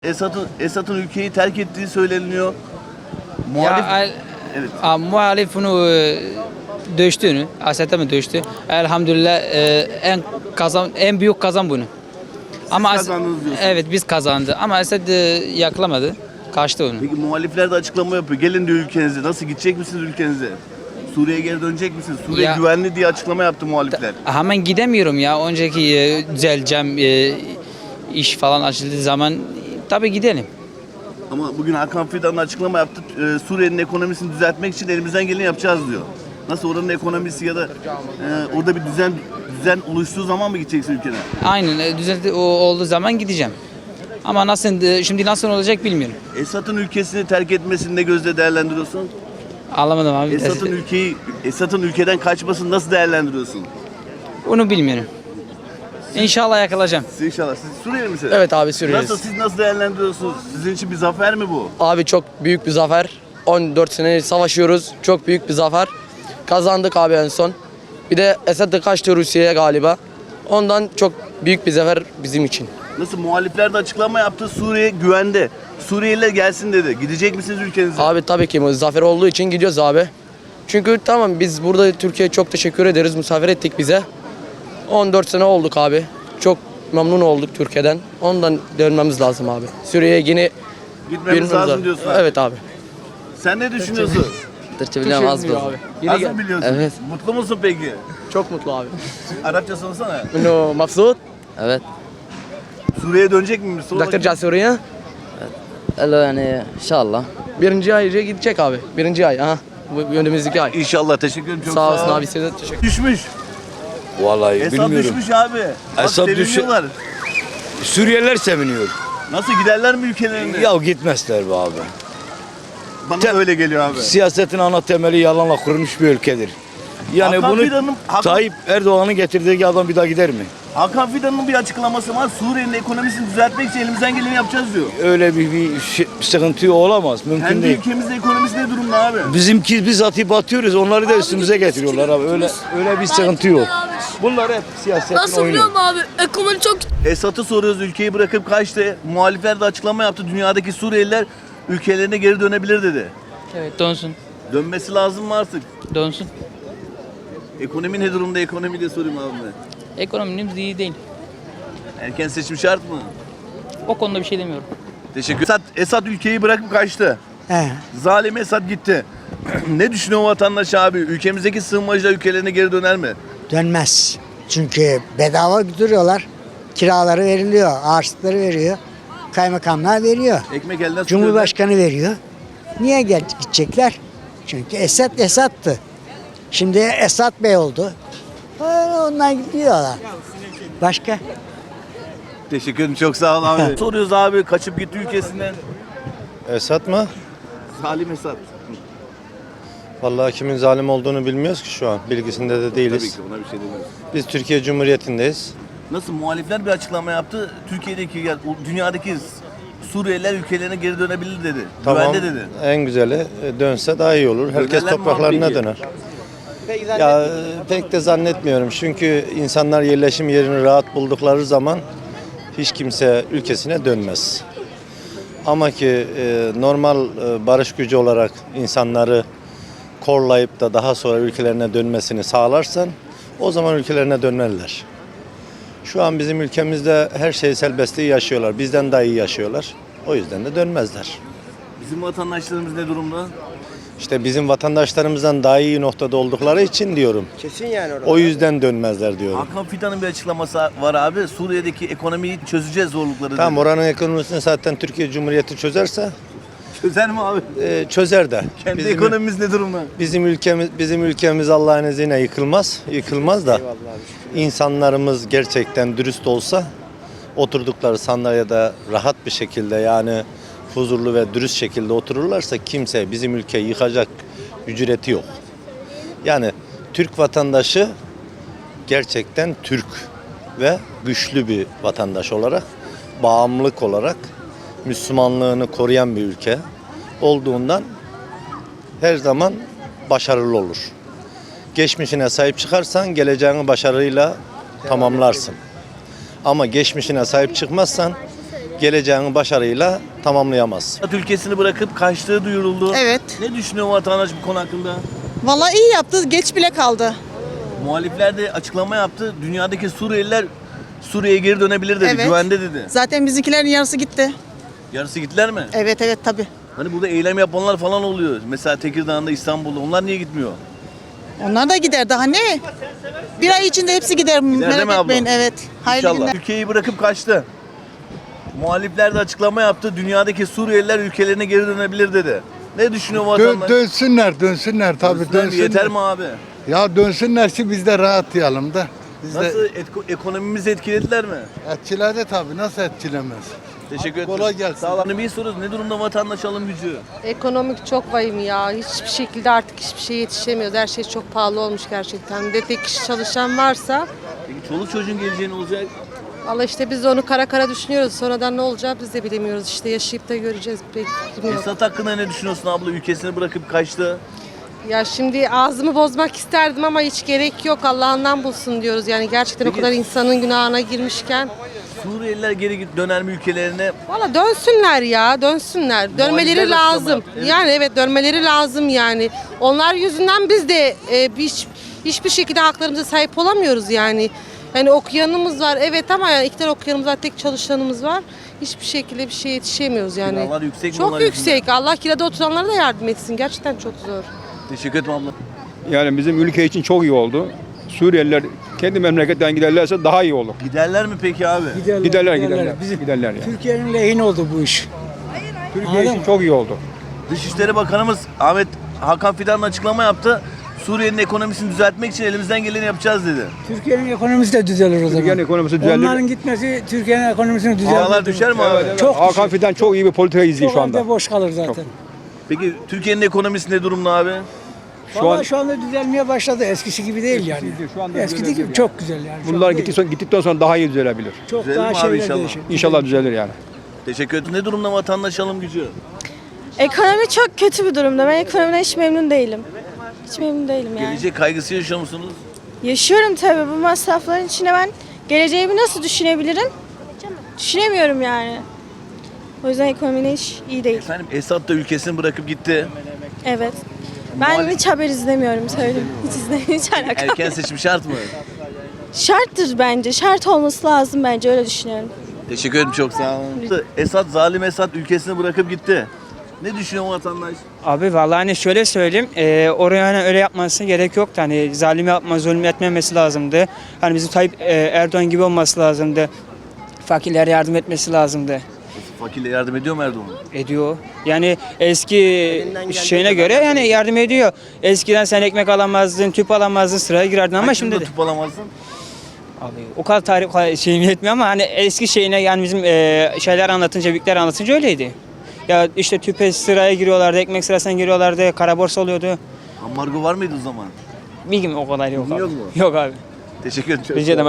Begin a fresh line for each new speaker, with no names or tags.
Esad'ın ülkeyi terk ettiği söyleniyor. Muhalif, evet.
Muhalif bunu dövüştüğünü, Esad'a mı dövüştü? Elhamdülillah en büyük kazan bunu. Ama
kazandınız diyorsun.
evet biz kazandı ama Esad yakalamadı. Kaçtı onu.
Peki muhalifler de açıklama yapıyor. Gelin diyor ülkenize. Nasıl gidecek misiniz ülkenize? Suriye'ye geri dönecek misiniz? Suriye
Ya-
güvenli diye açıklama yaptı muhalifler.
Hemen gidemiyorum ya. Önceki düzeleceğim iş falan açıldığı zaman tabii gidelim.
Ama bugün Hakan Fidan açıklama yaptı. Suriye'nin ekonomisini düzeltmek için elimizden geleni yapacağız diyor. Nasıl oranın ekonomisi ya da orada bir düzen oluştuğu zaman mı gideceksin ülkene?
Aynen düzeldi olduğu zaman gideceğim. Ama şimdi nasıl olacak bilmiyorum.
Esad'ın ülkesini terk etmesini ne gözle değerlendiriyorsun?
Anlamadım abi.
Esad'ın ülkeden kaçmasını nasıl değerlendiriyorsun?
Onu bilmiyorum. İnşallah yakalayacağım.
Siz inşallah. Siz Suriyeli misiniz?
Evet abi Suriyeliyiz.
Siz nasıl değerlendiriyorsunuz? Sizin için bir zafer mi bu?
Abi çok büyük bir zafer. 14 sene savaşıyoruz. Çok büyük bir zafer. Kazandık abi en son. Bir de Esad da kaçtı Rusya'ya galiba. Ondan çok büyük bir zafer bizim için.
Nasıl muhalifler de açıklama yaptı. Suriye güvende. Suriyeliler gelsin dedi. Gidecek misiniz ülkenize?
Abi tabii ki bu zafer olduğu için gidiyoruz abi. Çünkü tamam biz burada Türkiye'ye çok teşekkür ederiz. Misafir ettik bize. 14 sene olduk abi. Çok memnun olduk Türkiye'den. Ondan dönmemiz lazım abi. Suriye'ye yine
Gitmemiz lazım diyorsun. abi.
Evet abi.
Sen ne düşünüyorsun?
Türkçe biliyorum az biraz.
Az mı biliyorsun?
Evet.
Mutlu musun peki?
Çok mutlu abi.
Arapça sorsana.
No, mabsut. Evet.
Suriye'ye dönecek mi? Sor
Doktor
bakayım.
Casuriye.
Alo yani inşallah.
Birinci ay gidecek abi. Birinci ay. Aha. Bu önümüzdeki ay.
İnşallah. Teşekkür ederim. Çok
Sağ olasın abi. Size de teşekkür
Düşmüş.
Vallahi
Esad
bilmiyorum.
düşmüş abi. Bak,
Esad
seviniyorlar.
Suriyeliler seviniyor.
Nasıl giderler mi ülkelerine?
Ya gitmezler be abi.
Bana da öyle geliyor abi.
Siyasetin ana temeli yalanla kurulmuş bir ülkedir. Yani
Hakan
bunu
Fidan'ın-
Tayyip Erdoğan'ın getirdiği adam bir daha gider mi?
Hakan Fidan'ın bir açıklaması var. Suriye'nin ekonomisini düzeltmek için elimizden geleni yapacağız diyor.
Öyle bir sıkıntı olamaz. Mümkün
Kendi
değil.
ülkemizde ekonomisi ne durumda abi?
Biz atıp atıyoruz. Onları da üstümüze getiriyorlar abi. Öyle bir sıkıntı yok. Bunlar hep siyasetin
Nasıl biliyor
oyunu.
musun abi? Ekonomi çok
Esad'ı soruyoruz, ülkeyi bırakıp kaçtı. Muhalifler de açıklama yaptı. Dünyadaki Suriyeliler ülkelerine geri dönebilir dedi.
Evet dönsün.
Dönmesi lazım mı artık?
Dönsün.
Ekonomi ne durumda? Ekonomi de sorayım abi.
Ekonomimiz iyi değil.
Erken seçim şart mı?
O konuda bir şey demiyorum.
Teşekkür. Esad ülkeyi bırakıp kaçtı.
He,
Zalim Esad gitti. Ne düşünüyor vatandaş abi? Ülkemizdeki sığınmacılar ülkelerine geri döner mi?
dönmez. Çünkü bedava duruyorlar. Kiraları veriliyor, harçlıkları veriyor. Kaymakamlar veriyor.
Ekmek elden su
Cumhurbaşkanı veriyor. Niye gidecekler? Çünkü Esad'tı. Şimdi Esad Bey oldu. Onlar gidiyorlar. Başka?
Teşekkür ederim. Çok sağ ol abi. Soruyoruz abi kaçıp gitti ülkesinden.
Esad mı?
Zalim Esad.
Vallahi kimin zalim olduğunu bilmiyoruz ki şu an. Bilgisinde de
Tabii
değiliz.
ki buna bir şey demiyoruz.
Biz Türkiye Cumhuriyeti'ndeyiz.
Nasıl muhalifler bir açıklama yaptı. Türkiye'deki dünyadaki Suriyeliler ülkelerine geri dönebilir dedi.
Tamam.
Güvende dedi.
En güzeli dönse daha iyi olur. Herkes
Dönerler mi
topraklarına
abi peki?
döner. Ya pek de zannetmiyorum. Çünkü insanlar yerleşim yerini rahat buldukları zaman hiç kimse ülkesine dönmez. Ama ki normal barış gücü olarak insanları korlayıp da daha sonra ülkelerine dönmesini sağlarsan o zaman ülkelerine dönerler. Şu an bizim ülkemizde her şey serbestliği yaşıyorlar. Bizden daha iyi yaşıyorlar. O yüzden de dönmezler.
Bizim vatandaşlarımız ne durumda?
İşte bizim vatandaşlarımızdan daha iyi noktada oldukları için diyorum.
Kesin yani orada.
O yüzden dönmezler diyorum.
Hakan Fidan'ın bir açıklaması var abi. Suriye'deki ekonomiyi çözeceğiz zorlukları
Tamam,
dedi.
oranın ekonomisini zaten Türkiye Cumhuriyeti çözerse
Çözer mi abi?
çözer de.
Kendi ekonomimiz ne durumda?
Bizim ülkemiz Allah'ın izniyle yıkılmaz. Yıkılmaz da insanlarımız gerçekten dürüst olsa oturdukları sandalyede rahat bir şekilde, yani huzurlu ve dürüst şekilde otururlarsa kimse bizim ülkeyi yıkacak cüreti yok. Yani Türk vatandaşı gerçekten Türk ve güçlü bir vatandaş olarak, bağımlılık olarak Müslümanlığını koruyan bir ülke olduğundan her zaman başarılı olur. Geçmişine sahip çıkarsan geleceğini başarıyla tamamlarsın. Ama geçmişine sahip çıkmazsan geleceğini başarıyla tamamlayamaz.
Esad ülkesini bırakıp kaçtığı duyuruldu.
Evet.
Ne düşünüyor vatandaş bu konu hakkında?
Vallahi iyi yaptı. Geç bile kaldı.
Muhalifler de açıklama yaptı. Dünyadaki Suriyeliler Suriye'ye geri dönebilir dedi.
Evet.
Güvende dedi.
Zaten bizimkilerin yarısı gitti.
Yarısı gittiler mi?
Evet tabii.
Hani burada eylem yapanlar falan oluyor. Mesela Tekirdağ'da, İstanbul'da. Onlar niye gitmiyor?
Onlar da gider daha ne? Bir ay içinde hepsi gider.
değil mi
Merak
abla?
etmeyin. Evet. Hayırlı
İnşallah.
günler.
Ülkeyi bırakıp kaçtı. Muhalifler de açıklama yaptı. Dünyadaki Suriyeliler ülkelerine geri dönebilir dedi. Ne düşünüyor vatandaş?
Dönsünler tabii
Dönsünler mi? Yeter mi abi?
Ya dönsünler ki biz de rahatlayalım da. Biz
Nasıl ekonomimizi etkilediler mi?
etkiledi tabii, nasıl etkilemez?
Teşekkür ederim.
Kolay gelsin.
Sağ olun. Bir soruyoruz. Ne durumda vatandaş alım gücü?
Ekonomik çok vahim ya. Hiçbir şekilde artık hiçbir şeye yetişemiyoruz. Her şey çok pahalı olmuş gerçekten. Bir de tek kişi çalışan varsa
Peki çoluk çocuğun geleceği ne olacak?
valla işte biz de onu kara kara düşünüyoruz. Sonradan ne olacağı biz de bilemiyoruz. İşte yaşayıp da göreceğiz. Pek fikrim yok.
Esad hakkında ne düşünüyorsun abla? Ülkesini bırakıp kaçtı.
Ya şimdi ağzımı bozmak isterdim ama hiç gerek yok. Allah'ından bulsun diyoruz. Yani gerçekten o
Peki-
kadar insanın günahına girmişken.
Suriyeliler geri döner mi ülkelerine?
Valla dönsünler ya, dönsünler. Dönmeleri
de açıklama
lazım.
yaptı, evet.
Yani evet dönmeleri lazım yani. Onlar yüzünden biz de hiçbir şekilde haklarımıza sahip olamıyoruz yani. Yani okuyanımız var evet ama yani 2 tane okuyanımız var, tek çalışanımız var. Hiçbir şekilde bir şeye yetişemiyoruz yani.
Kiralar yüksek mi
Çok
onlar
yüksek. Allah kirada oturanlara da yardım etsin. Gerçekten çok zor.
Teşekkür ederim abla.
Yani bizim ülke için çok iyi oldu. Suriyeliler kendi memleketten giderlerse daha iyi olur.
Giderler mi peki abi?
Giderler. Giderler yani.
Türkiye'nin lehine oldu bu iş.
Türkiye için çok iyi oldu.
Dışişleri Bakanımız Ahmet Hakan Fidan açıklama yaptı. Suriye'nin ekonomisini düzeltmek için elimizden geleni yapacağız dedi.
Türkiye'nin ekonomisi de düzelir o zaman.
Türkiye'nin ekonomisi düzelir.
Onların gitmesi Türkiye'nin ekonomisini düzeltir.
Paralar düşer mi abi?
Çok
Hakan Fidan çok iyi bir politika izliyor
Çok
şu anda.
evde boş kalır zaten.
Peki Türkiye'nin ekonomisi ne durumda abi?
Şu anda düzelmeye başladı. Eskisi gibi değil yani.
Şu anda
Eskisi
düzelir
gibi
yani.
çok güzel yani. Şu
Bunlar
an değil.
gittikten sonra daha iyi düzelebilir.
Çok
Düzelir
daha
mi abi
şeyler
inşallah?
değişir.
İnşallah düzelir yani.
Teşekkür ederim. Ne durumda vatandaş alım gücü?
Ekonomi çok kötü bir durumda. Ben ekonomiden hiç memnun değilim. Hiç memnun değilim yani.
Gelecek kaygısı yaşıyor musunuz?
Yaşıyorum tabii bu masrafların içine ben geleceğimi nasıl düşünebilirim? Düşünemiyorum yani. O yüzden ekonomi hiç iyi değil.
Efendim Esad da ülkesini bırakıp gitti.
Evet. Ben hiç haber izlemiyorum söyleyeyim. Hiç izlemiyorum. Hiç alakam
Erken
yok.
seçim şart mı?
Şarttır bence. Şart olması lazım bence öyle düşünüyorum.
Teşekkür ederim çok sağ olun. Esad, zalim Esad ülkesini bırakıp gitti. Ne düşünüyor vatandaş?
Abi vallahi hani şöyle söyleyeyim, oraya hani öyle yapması gerek yoktu. Hani zalim yapma, zulüm etmemesi lazımdı. Hani bizim Tayyip Erdoğan gibi olması lazımdı. Fakirlere yardım etmesi lazımdı.
Fakirle yardım ediyor mu Erdoğan?
Ediyor. Yani eski şeyine göre yani yardım ediyor. Eskiden sen ekmek alamazdın, tüp alamazdın, sıraya girerdin ama şimdi de.
Tüp alamazsın.
Abi o kadar tarih şeyim yetmiyor ama hani eski şeyine yani bizim şeyler anlatınca, büyükler anlatınca öyleydi. Ya işte tüpe sıraya giriyorlardı, ekmek sırasına giriyorlardı, kara borsa oluyordu.
Ambargo var mıydı o zaman?
Bilgim o kadar yok abi.
Yok mu?
Yok abi.
Teşekkür ederim.
Rica ederim.